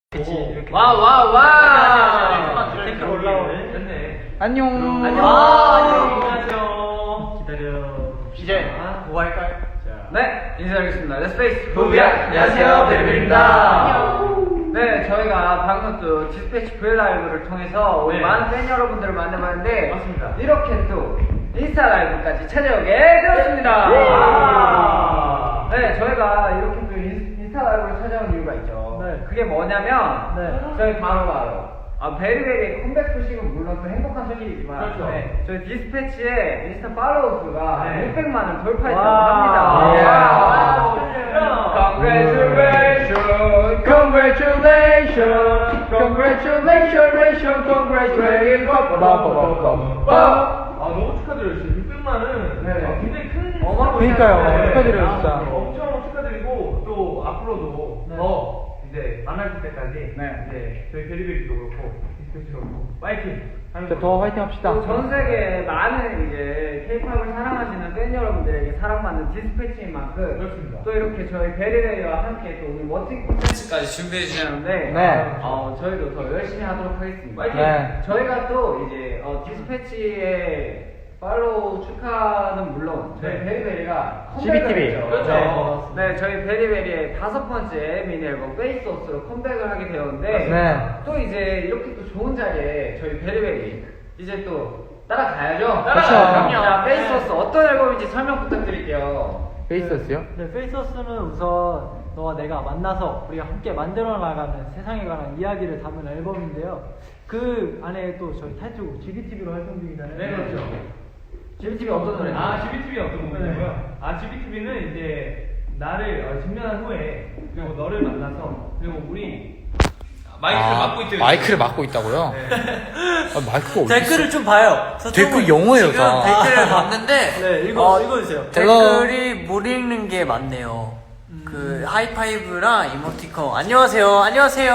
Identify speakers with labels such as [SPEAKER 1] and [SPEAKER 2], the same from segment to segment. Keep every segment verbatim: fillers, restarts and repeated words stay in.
[SPEAKER 1] 그치 이렇게
[SPEAKER 2] 와우 와우 와우.
[SPEAKER 1] 댓글 올라오네. 됐네.
[SPEAKER 3] 안녕.
[SPEAKER 1] 안녕.
[SPEAKER 2] 아,
[SPEAKER 1] 안녕하세요. 기다려.
[SPEAKER 2] 이제 뭐 할까요?
[SPEAKER 1] 자.
[SPEAKER 2] 네, 인사드리겠습니다. 렛츠페이스
[SPEAKER 1] 부비야. 안녕하세요, 베리베리입니다.
[SPEAKER 2] 네, 저희가 방금 또 디스패치 브이라이브를 통해서 우리
[SPEAKER 1] 네.
[SPEAKER 2] 많은 팬 여러분들을 만나봤는데
[SPEAKER 1] 맞습니다.
[SPEAKER 2] 이렇게 또 인스타 라이브까지 찾아오게 되었습니다.
[SPEAKER 1] 예. 와.
[SPEAKER 2] 네, 저희가 이렇게 또 인- 인스타 라이브를 찾아온 이유가 있죠.
[SPEAKER 1] 네.
[SPEAKER 2] 그게 뭐냐면
[SPEAKER 1] 네.
[SPEAKER 2] 저희 바로 바로 아, 베리베리의 컴백 소식은 물론 또 행복한 소식이지만
[SPEAKER 1] 그렇죠.
[SPEAKER 2] 네, 저희 디스패치의 인스타 팔로워 수가
[SPEAKER 1] 네.
[SPEAKER 2] 육백만을 돌파했다고
[SPEAKER 1] 와.
[SPEAKER 2] 합니다.
[SPEAKER 1] 예.
[SPEAKER 2] 와. Congratulations, congratulations, congratulations, congratulations.
[SPEAKER 1] 아 너무 축하드려요. 진짜 육백만은
[SPEAKER 2] 네.
[SPEAKER 1] 아, 굉장히 큰
[SPEAKER 2] 어마어마한
[SPEAKER 3] 그러니까요.
[SPEAKER 2] 네.
[SPEAKER 3] 축하드려요, 진짜.
[SPEAKER 1] 아, 엄청 축하드리고 또 앞으로도
[SPEAKER 2] 네.
[SPEAKER 1] 더 이제 만날 때까지
[SPEAKER 2] 네.
[SPEAKER 1] 이제 저희 베리베리도 그렇고 디스패치도 그렇고 파이팅.
[SPEAKER 3] 진짜 더 화이팅 합시다.
[SPEAKER 2] 또 전 세계 많은 이제 K-팝을 사랑하시는 팬 여러분들에게 사랑받는 디스패치인 만큼
[SPEAKER 1] 그렇습니다.
[SPEAKER 2] 또 이렇게 저희 베리베리와 함께 또 오늘 멋진 콘텐츠까지 준비해 주셨는데
[SPEAKER 3] 네.
[SPEAKER 2] 어, 저희도 더 열심히 하도록 하겠습니다.
[SPEAKER 3] 네.
[SPEAKER 2] 저희가 또 이제 어, 디스패치의 팔로우 축하는 물론 저희
[SPEAKER 1] 네.
[SPEAKER 2] 베리베리가
[SPEAKER 3] 지비티비.
[SPEAKER 2] 컴백을
[SPEAKER 1] 그렇죠.
[SPEAKER 2] 했죠. 네. 네, 저희 베리베리의 다섯 번째 미니 앨범 페이스오스로 컴백을 하게 되었는데
[SPEAKER 3] 네.
[SPEAKER 2] 또 이제 이렇게 또 좋은 자리에 저희 베리베리 이제 또 따라가야죠.
[SPEAKER 3] 그렇죠.
[SPEAKER 2] 자, 페이스오스 어떤 앨범인지 설명 부탁드릴게요.
[SPEAKER 3] 페이스였어요?
[SPEAKER 4] 네, 페이스오스는 우선 너와 내가 만나서 우리가 함께 만들어 나가는 세상에 관한 이야기를 담은 앨범인데요. 그 안에 또 저희 타이틀곡 지비티비로 활동 중이잖아요.
[SPEAKER 1] 네 그렇죠.
[SPEAKER 2] 지비티비 어떤 노래?
[SPEAKER 1] 아 지비티비 어떤 곡이냐고요? 아 지비티비는 이제 나를 어, 직면한 후에 그리고 너를 만나서 그리고 우리 마이크를
[SPEAKER 3] 아,
[SPEAKER 1] 맡고 있대.
[SPEAKER 3] 마이크를 맡고 있다고요?
[SPEAKER 1] 네.
[SPEAKER 3] 아, 마이크가 어디
[SPEAKER 5] 댓글을 좀 봐요.
[SPEAKER 3] 댓글 영어예요,
[SPEAKER 5] 지금
[SPEAKER 3] 다.
[SPEAKER 5] 댓글을 봤는데
[SPEAKER 4] 네, 읽어,
[SPEAKER 5] 어,
[SPEAKER 4] 읽어주세요.
[SPEAKER 5] 댓글이 못 읽는 게 많네요. 그 하이파이브랑 이모티콘. 안녕하세요. 안녕하세요.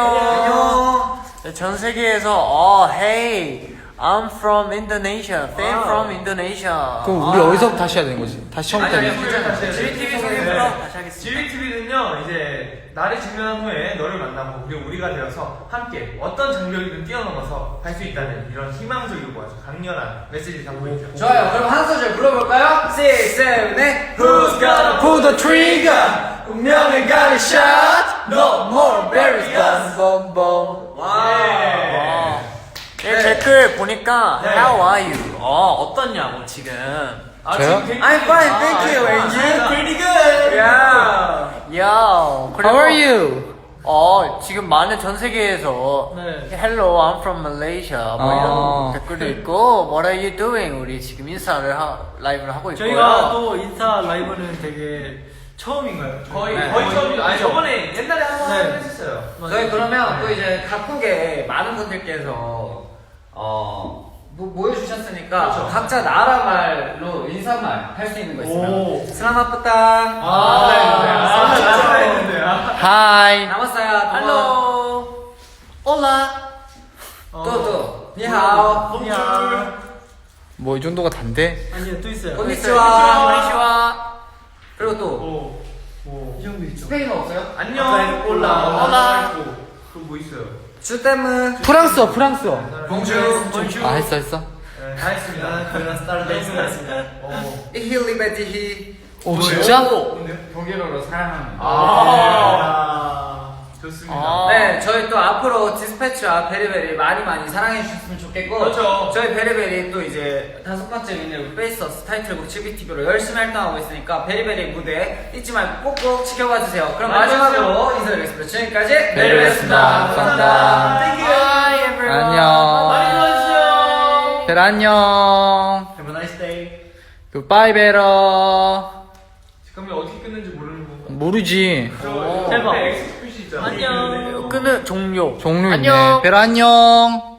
[SPEAKER 5] 안녕. 전 세계에서 어, hey, I'm from Indonesia. Fan from Indonesia.
[SPEAKER 3] 그럼 우리
[SPEAKER 5] 아.
[SPEAKER 3] 어디서 다시 해야 되는 거지? 다시 처음부터
[SPEAKER 1] 아니,
[SPEAKER 3] 해야
[SPEAKER 1] 아니,
[SPEAKER 3] 돼?
[SPEAKER 1] 괜찮아요.
[SPEAKER 5] 지비티비 소개부터 다시 하겠습니다.
[SPEAKER 1] 지비티비는요 이제 나를 직면한 후에 너를 만나고 그리고 우리가 되어서 함께 어떤 장벽이든 뛰어넘어서 갈 수 있다는 이런 희망적이고 아주 강렬한 메시지를 담고 있죠.
[SPEAKER 2] 좋아요. 그럼 한 소절 불러볼까요? six, seven, eight.
[SPEAKER 1] Who's gonna
[SPEAKER 3] Pull the trigger! 운명을 가는 shot! No more berries, bum, bum, bum.
[SPEAKER 5] 와.
[SPEAKER 1] 예.
[SPEAKER 5] 와. 네, 댓글 보니까
[SPEAKER 1] 네.
[SPEAKER 5] How are you? 어, 어떻냐고 지금.
[SPEAKER 1] 아,
[SPEAKER 3] 저요?
[SPEAKER 1] 지금 댓글이-
[SPEAKER 5] I'm fine, thank
[SPEAKER 1] 아,
[SPEAKER 5] you.
[SPEAKER 1] 아,
[SPEAKER 5] And you?
[SPEAKER 1] 아,
[SPEAKER 5] Pretty good.
[SPEAKER 2] Yeah.
[SPEAKER 5] 야,
[SPEAKER 3] How are you?
[SPEAKER 5] 어, 지금 많은 전 세계에서
[SPEAKER 4] 네.
[SPEAKER 5] Hello, I'm from Malaysia 뭐
[SPEAKER 3] 아.
[SPEAKER 5] 이런 댓글도 있고 What are you doing? 우리 지금 인스타를 하, 라이브를 하고 있고요.
[SPEAKER 4] 저희가 또 인스타 라이브는 되게 처음인가요?
[SPEAKER 1] 거의
[SPEAKER 2] 네.
[SPEAKER 1] 거의 처음이죠. 아니
[SPEAKER 4] 그죠?
[SPEAKER 1] 저번에 옛날에 한번
[SPEAKER 4] 네.
[SPEAKER 1] 했었어요.
[SPEAKER 2] 저희 그러면 또 이제 각국의 많은 분들께서 어 모, 모여주셨으니까
[SPEAKER 1] 그렇죠.
[SPEAKER 2] 각자 나라 말로 인사말 할 수 있는 거 있으면
[SPEAKER 4] 오.
[SPEAKER 2] 슬라마프탕
[SPEAKER 1] 아, 아, 진짜 했는데요.
[SPEAKER 3] Hi.
[SPEAKER 2] 남았어요.
[SPEAKER 5] Hello, Hola.
[SPEAKER 2] 또또 니하오
[SPEAKER 4] 안녕.
[SPEAKER 3] 뭐 이 정도가 단데?
[SPEAKER 4] 아니요, 또 있어요.
[SPEAKER 2] konnichiwa.
[SPEAKER 5] konnichiwa.
[SPEAKER 2] 그리고 또
[SPEAKER 1] 오, 오.
[SPEAKER 4] 이 정도 있죠.
[SPEAKER 2] 스페인어 없어요?
[SPEAKER 1] 안녕. 올라.
[SPEAKER 5] 올라.
[SPEAKER 1] 그뭐 있어요?
[SPEAKER 2] 주댐은
[SPEAKER 3] 프랑스어, 프랑스어.
[SPEAKER 2] 봉주
[SPEAKER 3] 아, 했어, 했어?
[SPEAKER 1] 네, 다 했습니다.
[SPEAKER 4] 저희가 스타를 했습니다.
[SPEAKER 1] 어.
[SPEAKER 2] 이힐리베티히
[SPEAKER 3] 오, 진짜?
[SPEAKER 1] 뭔데요?
[SPEAKER 2] 독일어로 사랑합니다.
[SPEAKER 1] 아, 좋습니다.
[SPEAKER 5] 아.
[SPEAKER 2] 네, 저희 또 앞으로 디스패치와 베리베리 많이 많이 사랑해 주셨으면 좋겠고,
[SPEAKER 1] 그렇죠.
[SPEAKER 2] 저희 베리베리 또 이제 다섯 번째 미니로 페이스오스 타이틀곡 지비티비로 열심히 활동하고 있으니까 베리베리 무대 잊지 말고 꼭꼭 지켜봐 주세요. 그럼
[SPEAKER 1] 많이
[SPEAKER 2] 마지막으로 인사드리겠습니다. 지금까지
[SPEAKER 3] 베리베리였습니다.
[SPEAKER 2] 베리베리였습니다. 감사합니다.
[SPEAKER 1] Thank you.
[SPEAKER 5] Bye everyone.
[SPEAKER 3] 안녕.
[SPEAKER 1] 많이 들어주세요.
[SPEAKER 3] 별 안녕.
[SPEAKER 4] Have a nice day.
[SPEAKER 3] Goodbye, 베러.
[SPEAKER 1] 그러면 어떻게 끝는지 모르는 거.
[SPEAKER 3] 모르지.
[SPEAKER 1] 저
[SPEAKER 4] 대박.
[SPEAKER 1] 옆에 X 표시 있잖아.
[SPEAKER 5] 안녕. 끄는 종료.
[SPEAKER 3] 종료 있네.
[SPEAKER 5] 안녕.
[SPEAKER 3] 베러 안녕.